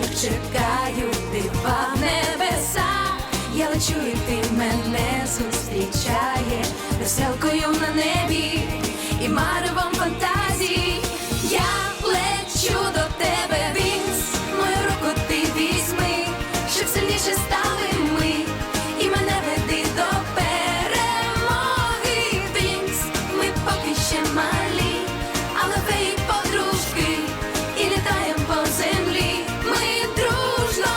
чекаю дива в небесах. Я лечу, і ти мене зустрічає веселкою на небі і маревом фантазій. Я лечу до тебе, Вінкс, мою руку ти візьми, щоб сильніше стали ми, і мене веди до перемоги. Вінкс, ми поки ще малі, але феї подружки, і літаєм по землі. Ми дружно,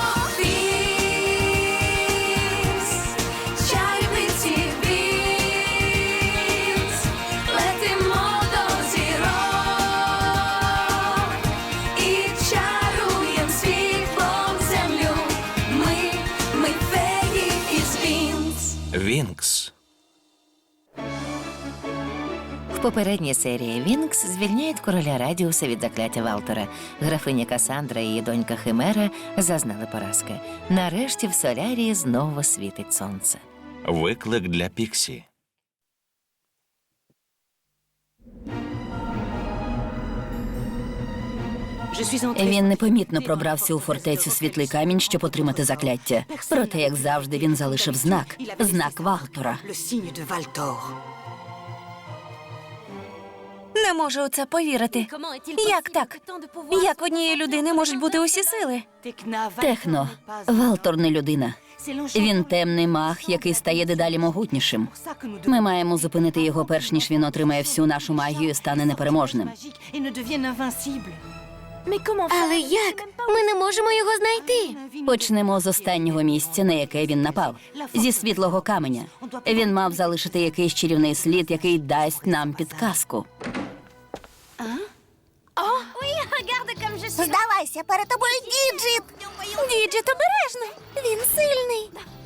Вінкс, чарівниці Вінкс, летимо до зірок і чаруєм світлом землю. Ми феї із Вінкс. Вінкс. В попередній серії Вінкс звільняють короля Радіуса від закляття Валтора. Графиня Касандра і її донька Химера зазнали поразки. Нарешті в Солярії знову світить сонце. Виклик для Піксі. Він непомітно пробрався у фортецю Світлий Камінь, щоб отримати закляття. Проте, як завжди, він залишив знак. Знак Валтора. Не можу у це повірити. Як так? Як в однієї людини можуть бути усі сили? Техно. Валтор не людина. Він темний маг, який стає дедалі могутнішим. Ми маємо зупинити його, перш ніж він отримає всю нашу магію і стане непереможним. Але як? Ми не можемо його знайти. Почнемо з останнього місця, на яке він напав. Зі світлого каменя. Він мав залишити якийсь чарівний слід, який дасть нам підказку. Здавайся, перед тобою Діджит. Діджит обережно. Він сильний.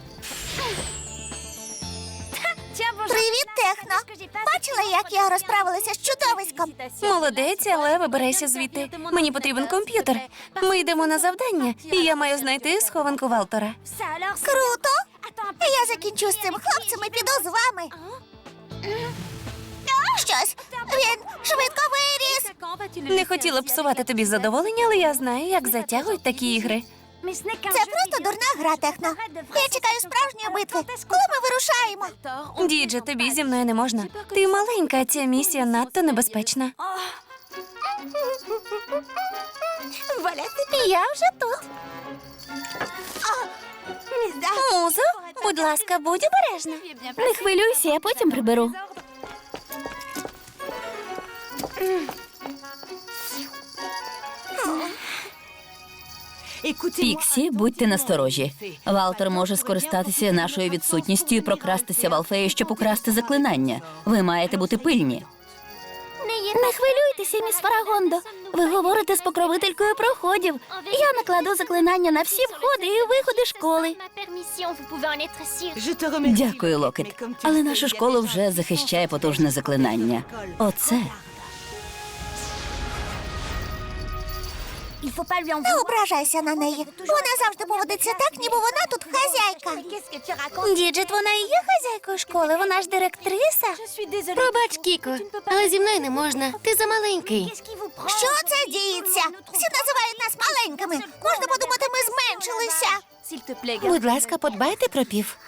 Привіт, Техно. Бачила, як я розправилася з чудовиськом? Молодець, але вибирайся звідти. Мені потрібен комп'ютер. Ми йдемо на завдання, і я маю знайти схованку Валтора. Круто. Я закінчу з цим хлопцем і піду з вами. Щось. Він швидко виріс. Не хотіла б псувати тобі задоволення, але я знаю, як затягують такі ігри. Це просто дурна гра, Техно. Я чекаю справжньої битви. Коли ми вирушаємо? Дідже, тобі зі мною не можна. Ти маленька, а ця місія надто небезпечна. Я вже тут. Музо, будь ласка, будь обережна. Не хвилюйся, я потім приберу. Піксі, будьте насторожі. Валтор може скористатися нашою відсутністю і прокрастися в Алфею, щоб украсти заклинання. Ви маєте бути пильні. Не хвилюйтеся, міс Фарагондо. Ви говорите з покровителькою проходів. Я накладу заклинання на всі входи і виходи школи. Дякую, Локет. Але нашу школу вже захищає потужне заклинання. Оце. Не ображайся на неї. Вона завжди поводиться так, ніби вона тут хазяйка. Діджит, вона і є хазяйкою школи, вона ж директриса. Пробач, Кіко, але зі мною не можна. Ти замаленький. Що це діється? Всі називають нас маленькими. Можна подумати, ми зменшилися. Будь ласка, подбайте про пів.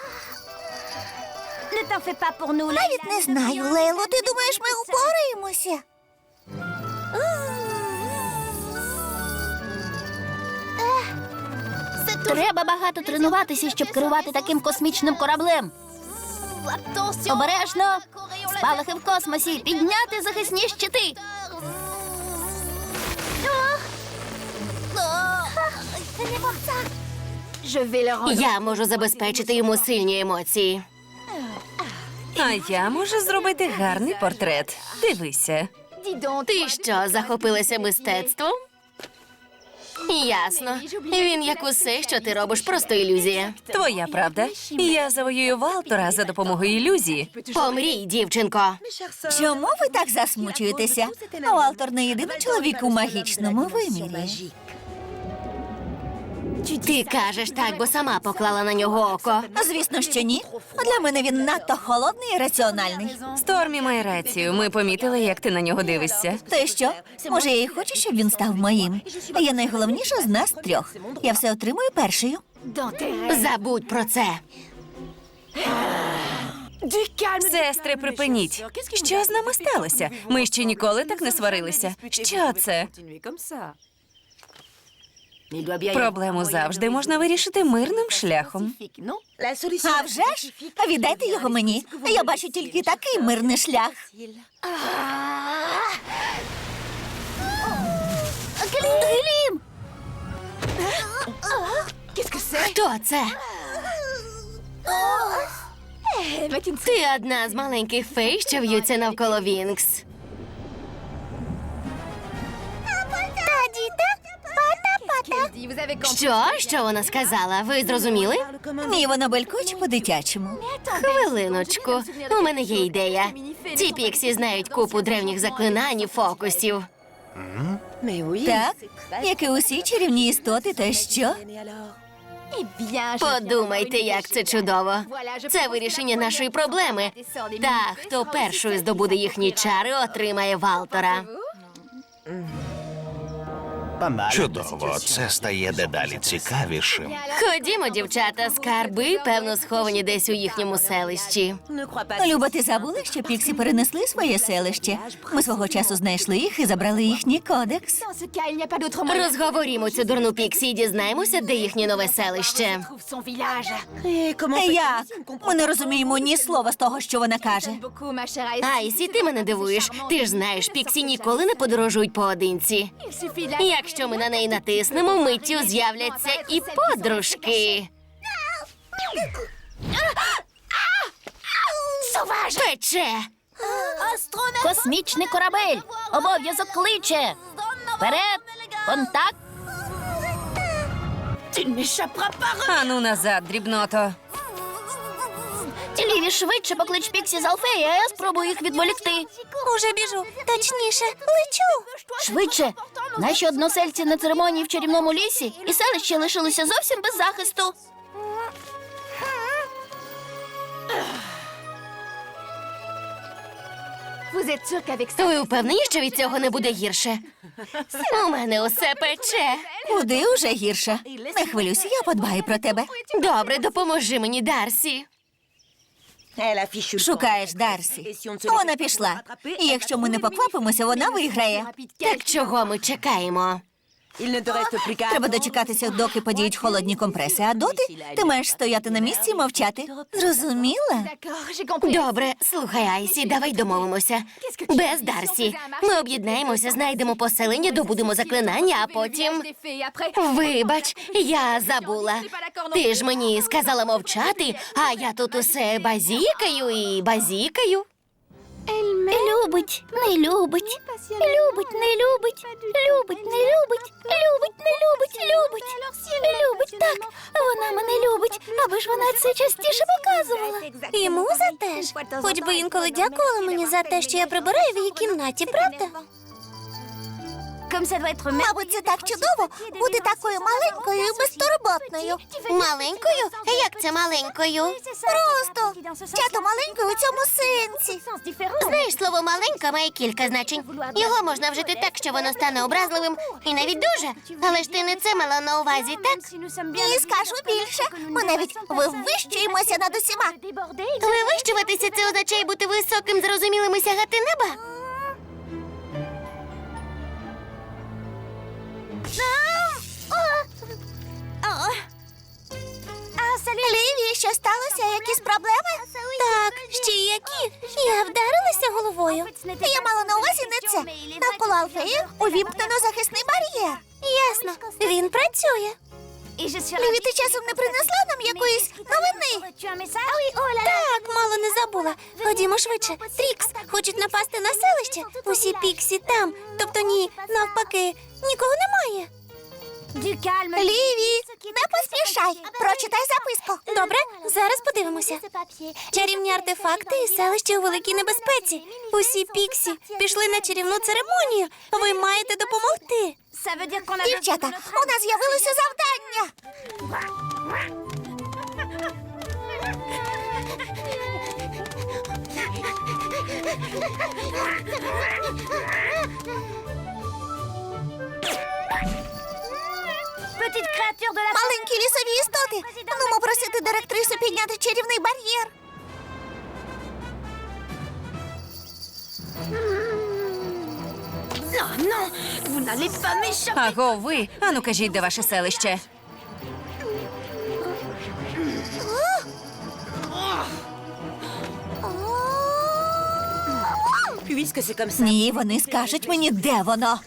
Навіть не знаю, Лейло. Ти думаєш, ми впораємося? Треба багато тренуватися, щоб керувати таким космічним кораблем. Обережно! Спалахи в космосі! Підняти захисні щити! Я можу забезпечити йому сильні емоції. А я можу зробити гарний портрет. Дивися. Ти що, захопилася мистецтвом? Ясно. Він, як усе, що ти робиш, просто ілюзія. Твоя правда. Я завоюю Валтора за допомогою ілюзії. Помрій, дівчинко. Чому ви так засмучуєтеся? Валтор не єдиний чоловік у магічному вимірі. Ти кажеш так, бо сама поклала на нього око. Звісно, що ні. Для мене він надто холодний і раціональний. Стормі має рацію. Ми помітили, як ти на нього дивишся. То й що? Може, я і хочу, щоб він став моїм. Я найголовніша з нас трьох. Я все отримую першою. Забудь про це. Сестри, припиніть. Що з нами сталося? Ми ще ніколи так не сварилися. Що це? Проблему завжди можна вирішити мирним шляхом. А вже ж? Віддайте його мені. Я бачу тільки такий мирний шлях. Глім! Хто це? Ти одна з маленьких фей, що в'ються навколо Вінкс. Що вона сказала? Ви зрозуміли? Ні, вона белькоче по-дитячому. Хвилиночку, у мене є ідея. Ці піксі знають купу древніх заклинань і фокусів. Так, як і усі чарівні істоти, то що? Подумайте, як це чудово. Це вирішення нашої проблеми. Та, хто першою здобуде їхні чари, отримає Валтора. Чудово, це стає дедалі цікавішим. Ходімо, дівчата, скарби, певно, сховані десь у їхньому селищі. Люба, ти забула, що піксі перенесли своє селище? Ми свого часу знайшли їх і забрали їхній кодекс. Розговорімо цю дурну піксі і дізнаємося, де їхнє нове селище. Як? Ми не розуміємо ні слова з того, що вона каже. Айсі, ти мене дивуєш. Ти ж знаєш, піксі ніколи не подорожують поодинці. Якщо ми на неї натиснемо, миттю з'являться і подружки. Пече! Космічний корабель! Обов'язок кличе! Вперед! Контакт! Ану назад, дрібното. Ліві, швидше поклич Піксі з Алфеї, а я спробую їх відволікти. Уже біжу. Точніше, лечу. Швидше! Наші односельці на церемонії в чарівному лісі і селище лишилися зовсім без захисту. Ви впевнені, що від цього не буде гірше? У мене усе пече. Куди уже гірше? Не хвилюйся, я подбаю про тебе. Добре, допоможи мені, Дарсі. Шукаєш Дарсі. Вона пішла. І якщо ми не поквапимося, вона виграє. Так чого ми чекаємо? Треба дочекатися, доки подіють холодні компреси, а доти ти маєш стояти на місці і мовчати. Зрозуміла? Добре, слухай, Айсі, давай домовимося. Без Дарсі. Ми об'єднаємося, знайдемо поселення, добудемо заклинання, а потім... Вибач, я забула. Ти ж мені сказала мовчати, а я тут усе базікаю і базікаю. Любить, не любить, любить, не любить, любить, не любить, любить, не любить, любить, любить, так, вона мене любить, аби ж вона це частіше показувала. І муза теж. Хоч би інколи дякувала мені за те, що я прибираю в її кімнаті, правда? Мабуть, це так чудово бути такою маленькою і безтурботною. Маленькою? Як це маленькою? Просто чато маленькою у цьому сенсі. Знаєш, слово «маленька» має кілька значень. Його можна вжити так, що воно стане образливим і навіть дуже. Але ж ти не це мала на увазі, так? І скажу більше. Ми навіть вивищуємося над усіма. Вивищуватися – це означає бути високим, зрозумілим і сягати неба. Ліві, що сталося? Якісь проблеми? Так, ще які? Я вдарилася головою. Я мала на увазі не це. Навколо Алфеї увімкнено захисний бар'єр. Ясно, він працює. Ліві, ти часом не принесла нам якоїсь новини? Так, мало не забула. Ходімо швидше. Трікс, хочуть напасти на селище. Усі піксі там. Тобто ні, навпаки, нікого немає. Ліві, не поспішай. Прочитай записку. Добре, зараз подивимося. Чарівні артефакти і селище у великій небезпеці. Усі піксі пішли на чарівну церемонію. Ви маєте допомогти. Дівчата, у нас з'явилося завдання. Маленькі лісові істоти. Нумо просити директрису підняти чарівний бар'єр. Аго, ви. Ану, кажіть, де ваше селище? Ні, вони скажуть мені, де воно.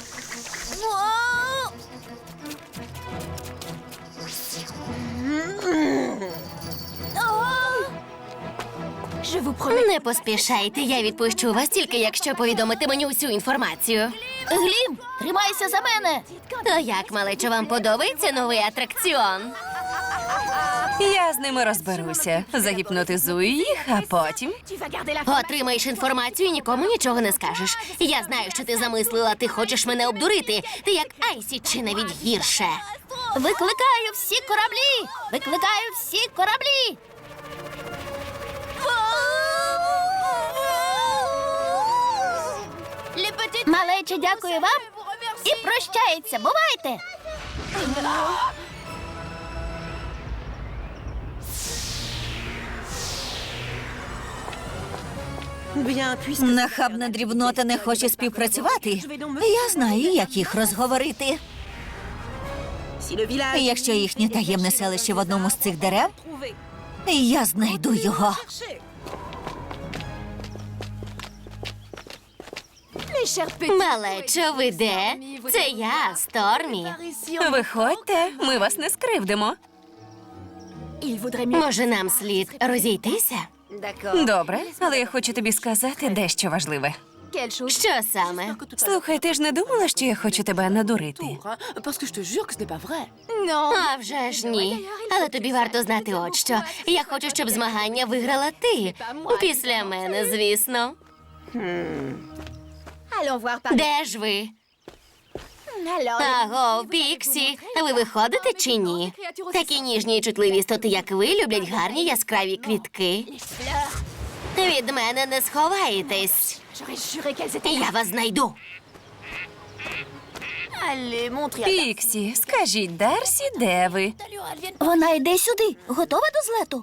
Не поспішайте, я відпущу вас тільки, якщо повідомите мені усю інформацію. Глім, тримайся за мене. То як, малечо, вам подобається новий атракціон? Я з ними розберуся. Загіпнотизую їх, а потім. Отримаєш інформацію і нікому нічого не скажеш. Я знаю, що ти замислила, ти хочеш мене обдурити. Ти як Айсі, чи навіть гірше. Викликаю всі кораблі! Викликаю всі кораблі! Малече, дякую вам і прощається. Бувайте! Нахабна дрібнота не хоче співпрацювати. Я знаю, як їх розговорити. Якщо їхнє таємне селище в одному з цих дерев, я знайду його. Малечо, ви де? Це я, Стормі. Виходьте, ми вас не скривдимо. Може, нам слід розійтися? Добре, але я хочу тобі сказати дещо важливе. Що саме? Слухай, ти ж не думала, що я хочу тебе надурити? А вже ж ні. Але тобі варто знати от що. Я хочу, щоб змагання виграла ти. Після мене, звісно. Де ж ви? Аго, Піксі, ви виходите чи ні? Такі ніжні і чутливі істоти, як ви, люблять гарні яскраві квітки. Від мене не сховаєтесь. Я вас знайду. Піксі, скажіть Дарсі, де ви? Вона йде сюди. Готова до злету?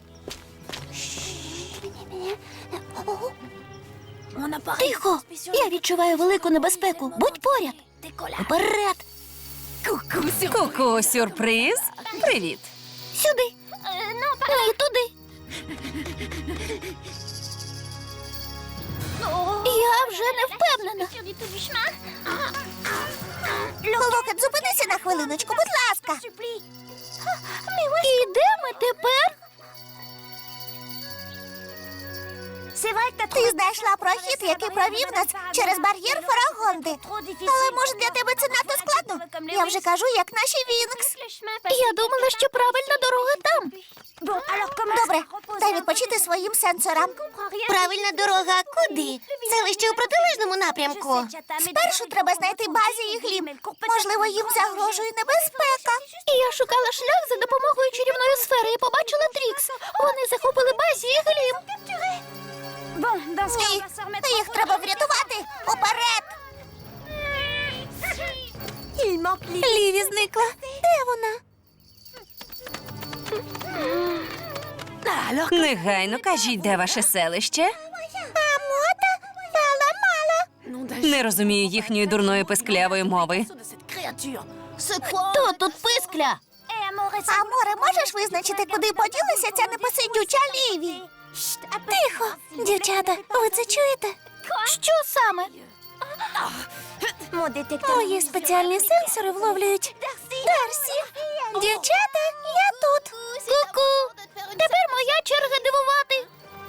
Тихо! Я відчуваю велику небезпеку. Будь поряд. Вперед! Ку-ку, сюрприз. Привіт. Сюди. Не туди. Я вже не впевнена. Локет, зупинися на хвилиночку, будь ласка. І де ми тепер? Ти знайшла прохід, який провів нас через бар'єр Фарагонди. Але, може, для тебе це надто складно? Я вже кажу, як наші Вінкс. Я думала, що правильна дорога там. Добре, дай відпочити своїм сенсорам. Правильна дорога куди? Селище у протилежному напрямку. Спершу треба знайти базі і Глім. Можливо, їм загрожує небезпека. І я шукала шлях за допомогою чарівної сфери і побачила Трікс. Вони захопили базі і Глім. Ні, їх треба врятувати. Уперед! Ліві зникла. Де вона? Негайно кажіть, де ваше селище. Амота, мала-мала. Не розумію їхньої дурної писклявої мови. Хто тут пискля? Аморе, можеш визначити, куди поділася ця непосидюча Ліві? Тихо, дівчата, ви це чуєте? Що саме? Мої спеціальні сенсори вловлюють. Дарсі, дівчата, я тут. Ку-ку. Тепер моя черга дивувати.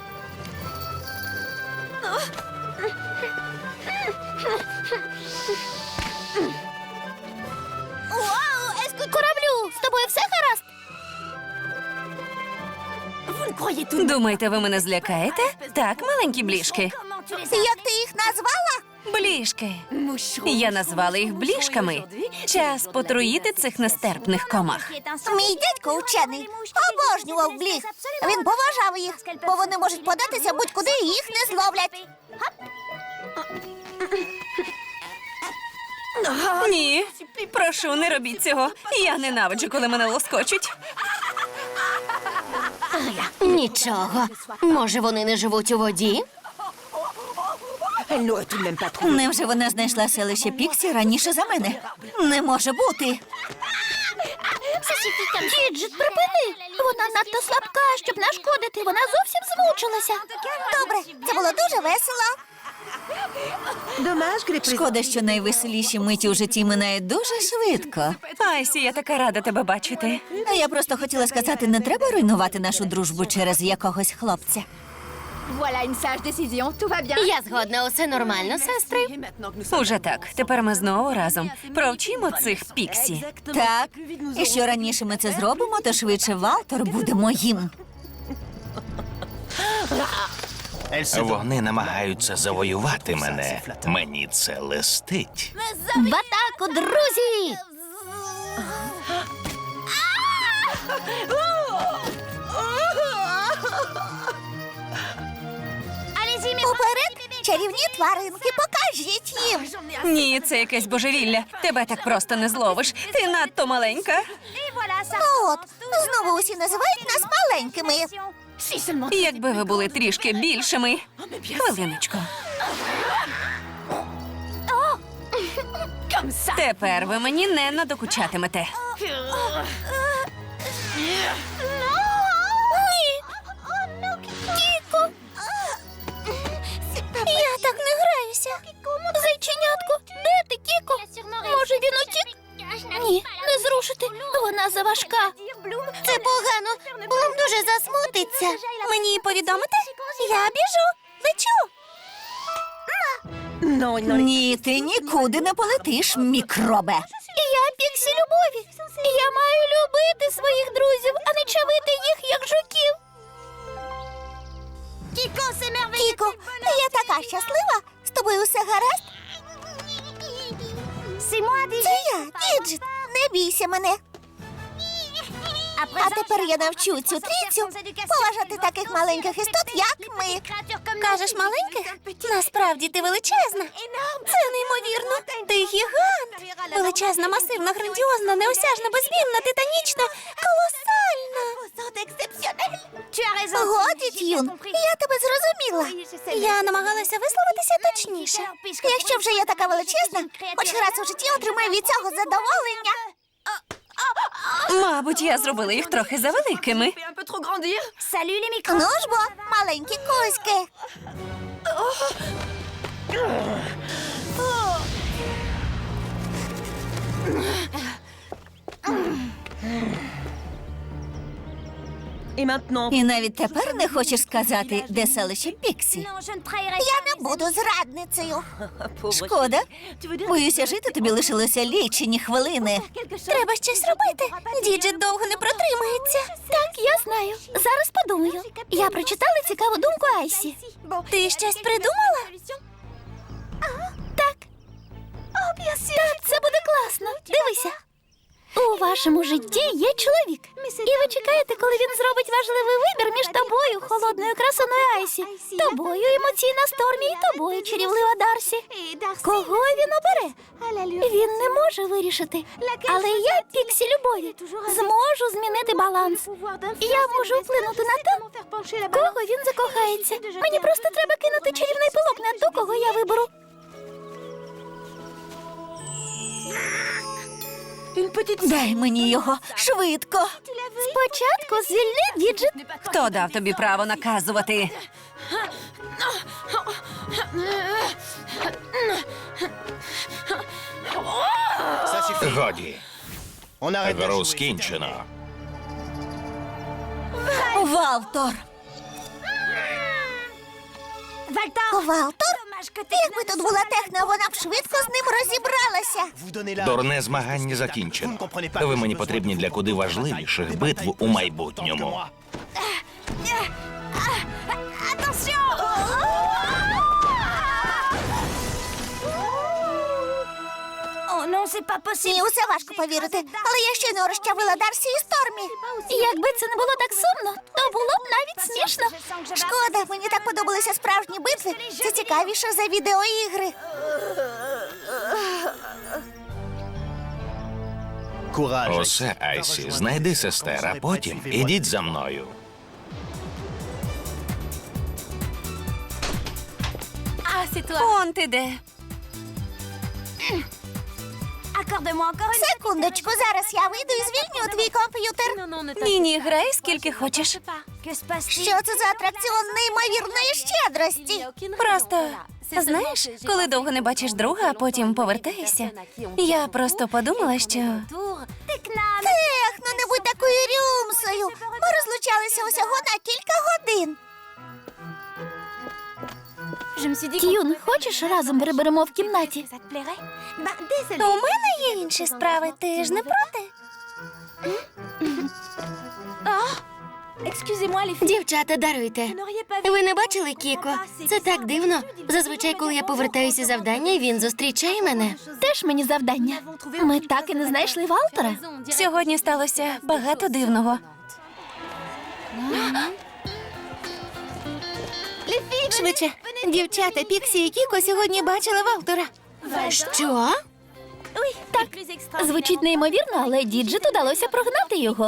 Кораблю, з тобою все гаразд? Думаєте, ви мене злякаєте? Так, маленькі бліжки. Як ти їх назвала? Блішки. Я назвала їх блішками. Час потруїти цих нестерпних комах. Мій дядько учений обожнював бліг. Він поважав їх, бо вони можуть податися будь-куди і їх не зловлять. Ні, прошу, не робіть цього. Я ненавиджу, коли мене лоскочуть. Нічого. Може, вони не живуть у воді? Невже вона знайшла селище Піксі раніше за мене? Не може бути. Діджит, припини! Вона надто слабка, щоб нашкодити. Вона зовсім змучилася. Добре, це було дуже весело. Шкода, що найвеселіші миті у житті минають дуже швидко. Айсі, я така рада тебе бачити. А я просто хотіла сказати, не треба руйнувати нашу дружбу через якогось хлопця. Я згодна, усе нормально, сестри. Уже так. Тепер ми знову разом. Провчимо цих піксі. Так, і що раніше ми це зробимо, то швидше Валтор буде моїм. Вони намагаються завоювати мене. Мені це листить. В атаку, друзі! Уперед, чарівні тваринки, покажіть їм. Ні, це якесь божевілля. Тебе так просто не зловиш. Ти надто маленька. Ну от, знову усі називають нас маленькими. Якби ви були трішки більшими. Хвилиночку. Тепер ви мені не надокучатимете. Кіко! Я так не граюся. Зайченятко, де ти, Кіко? Може, він утік? Ні, не зрушити. Вона заважка. Це погано. Блум дуже засмутиться. Мені повідомити? Я біжу. Лечу. Ні, ти нікуди не полетиш, мікробе. Я Піксі любові. Я маю любити своїх друзів, а не чавити їх, як жуків. Кіко, я така щаслива. З тобою все гаразд? Це я, Діджит. Не бійся мене. А тепер я навчу цю трійцю поважати таких маленьких істот, як ми. Кажеш маленьких? Насправді ти величезна. Це неймовірно. Ти гігант. Величезна, масивна, грандіозна, неосяжна, безвінна, титанічна, колосальна. Годі, Т'юн, я тебе зрозуміла. Я намагалася висловитися точніше. Якщо вже я така величезна, хоч раз у житті отримаю від цього задоволення. Мабуть, я зробила їх трохи завеликими. Ну ж бо, маленькі кузьки. І навіть тепер не хочеш сказати, де селище Піксі. Я не буду зрадницею. Шкода. Боюся, жити тобі лишилося лічені хвилини. Треба щось робити. Діджит довго не протримається. Так, я знаю. Зараз подумаю. Я прочитала цікаву думку Айсі. Ти щось придумала? Так. Так, це буде класно. Дивися. У вашому житті є чоловік. І ви чекаєте, коли він зробить важливий вибір між тобою, холодною красуною Айсі, тобою, емоційна Стормі, і тобою, чарівлива Дарсі. Кого він обере? Він не може вирішити. Але я, Піксі любові, зможу змінити баланс. Я можу вплинути на те, кого він закохається. Мені просто треба кинути чарівний пилок на ту, кого я виберу. Дай мені його швидко. Спочатку звільни Діджит. Хто дав тобі право наказувати? Годі. Гру скінчено. Валтор. Валтор? Якби тут була техна, вона б швидко з ним розібралася. Дурне змагання закінчено. Ви мені потрібні для куди важливіших битв у майбутньому. Ні, усе важко повірити. Але я щойно розчавила Дарсі і Стормі. Якби це не було так сумно, то було б навіть смішно. Шкода, мені так подобалися справжні битви. Це цікавіше за відеоігри. Усе, Айсі, знайди сестер, а потім ідіть за мною. Он ти де. Секундочку, зараз я вийду і звільню твій комп'ютер. Ні, грай скільки хочеш. Що це за атракціон неймовірної щедрості? Просто, знаєш, коли довго не бачиш друга, а потім повертаєшся, я просто подумала, що... Ех, ну не будь такою рюмсою. Ми розлучалися усього на кілька годин. К'юн, хочеш разом переберемо в кімнаті? У мене є інші справи, ти ж не проти? Дівчата, даруйте. Ви не бачили Кіко? Це так дивно. Зазвичай, коли я повертаюся з завдання, він зустрічає мене. Теж мені завдання. Ми так і не знайшли Валтера. Сьогодні сталося багато дивного. Швидше. Дівчата, Піксі і Кіко сьогодні бачили Валтера. Що? Так, звучить неймовірно, але Діджит удалося прогнати його.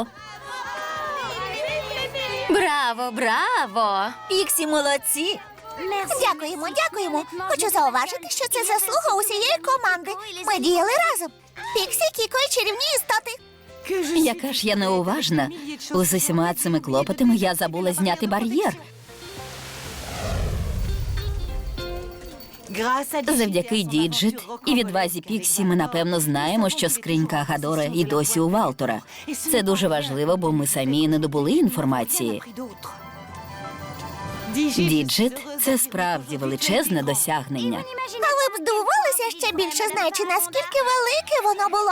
Браво, браво! Піксі молодці. Дякуємо. Хочу зауважити, що це заслуга усієї команди. Ми діяли разом. Піксі, Кіко і чарівні істоти. Яка ж я неуважна. З усіма цими клопотами я забула зняти бар'єр. Завдяки Діджит і відвазі Піксі ми напевно знаємо, що скринька Агадора і досі у Валтора. Це дуже важливо, бо ми самі не добули інформації. Діджит – це справді величезне досягнення. А ви б здивувалися ще більше, знаючи, наскільки велике воно було.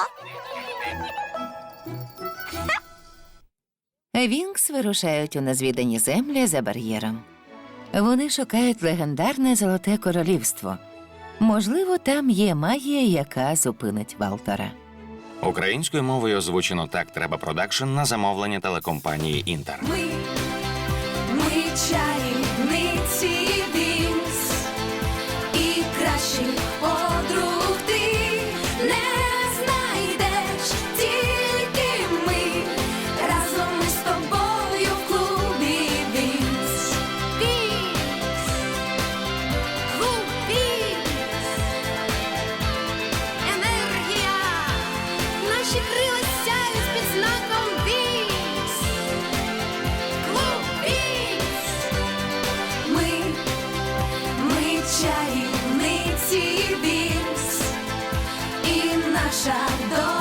Вінкс вирушають у незвідані землі за бар'єром. Вони шукають легендарне Золоте Королівство. Можливо, там є магія, яка зупинить Валтера. Українською мовою озвучено «Так треба продакшн» на замовлення телекомпанії «Інтер». Ми чарівниці Вінкс, і кращих подруг ти не знайдеш, тільки ми, разом ми з тобою в клубі Вінкс. Вінкс, клуб Вінкс, енергія, наші крила сяють під знаком Вінкс. Клуб Вінкс. Ми чарівниці Вінкс, і наша доля